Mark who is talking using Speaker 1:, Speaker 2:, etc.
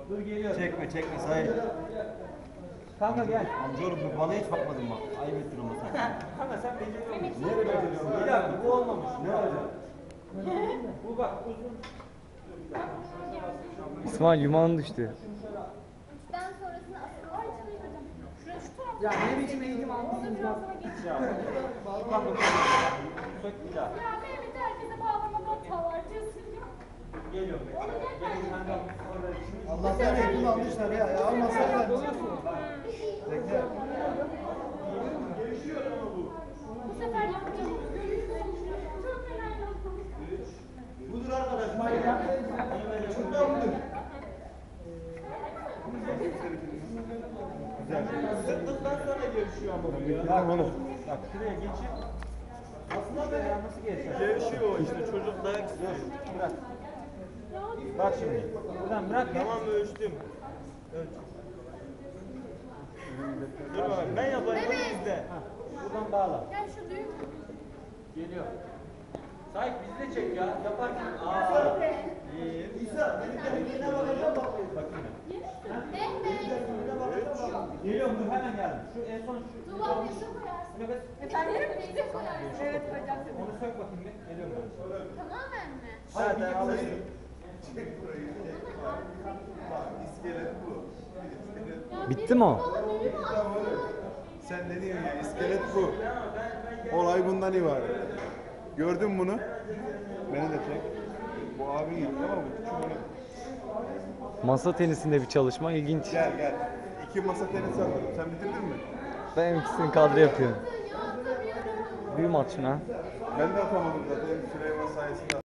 Speaker 1: Dur geliyorum.
Speaker 2: Çekme Sait.
Speaker 1: Kanka gel.
Speaker 2: Amcaoğlum bana hiç bakmadın bak. Ayıp ettin ama sen.
Speaker 1: Kanka sen beceriyor musun?
Speaker 2: Nereye beceriyorsun?
Speaker 1: Bir dakika bu olmamış.
Speaker 2: Ne olacak?
Speaker 1: Bu bak uzun.
Speaker 3: İsmail yumağın düştü.
Speaker 4: Üçten sonrasını asıl şuraya şu tarafta.
Speaker 5: Ya ne biçim eğitim aldınız bak.
Speaker 1: Ya. Bak sök bir daha.
Speaker 4: Ya Mehmet herkese bağlamada hata var diyorsun ya.
Speaker 1: Geliyorum ben. Gelin kanka.
Speaker 2: Allah'tan eğitim almışlar ya. Ya almasalar. Bekle.
Speaker 4: Bu sefer yapacağım. Çok fena yaptım.
Speaker 2: Budur arkadaş.
Speaker 1: Sıktıktan sonra görüşüyor ama bu ya.
Speaker 2: Bak onu.
Speaker 1: Bak şuraya geçip. Aslında be ya nasıl geçer?
Speaker 2: Gevşiyor işte çocuk dayak istiyor.
Speaker 1: Bırak. Bak şimdi. Buradan bırak ya.
Speaker 2: Tamam ölçtüm. Ölç. Dur bakalım ben yapayım onu izle.
Speaker 1: Buradan bağla.
Speaker 4: Gel şu düğüm.
Speaker 1: Geliyor. Sahip bizi de çek ya. Yaparken. İyi.
Speaker 2: İsa benim kendine bakacağım bak.
Speaker 1: Bakayım.
Speaker 4: Mehmet.
Speaker 1: Geliyorum dur hemen geldim. Şu en son şu.
Speaker 4: Duvar yüzü koyarsın.
Speaker 1: Nefes.
Speaker 4: Efendim yüzü koyarsın.
Speaker 5: Evet hocam.
Speaker 1: Onu sök bakayım bir. Geliyorum ben.
Speaker 4: Tamamen mi?
Speaker 1: Zaten alıştım.
Speaker 2: İskelet bu.
Speaker 4: Ya
Speaker 3: Bitti
Speaker 4: benim
Speaker 3: mi o?
Speaker 4: bana düğümü attı.
Speaker 6: Sen ne diyorsun ya? İskelet bu. Olay bundan ibaret. Gördün bunu? Beni de çek. Bu abin yaptı ama bu küçük onu.
Speaker 3: Masa tenisinde bir çalışma ilginç.
Speaker 6: Gel. İki masa tenisi atalım. Sen bitirdin mi?
Speaker 3: Ben ikisini kadro yapıyorum.
Speaker 4: Ya atamıyorum.
Speaker 3: Büyü maç şuna.
Speaker 6: Ben de atamadım zaten. Süleyman sayesinde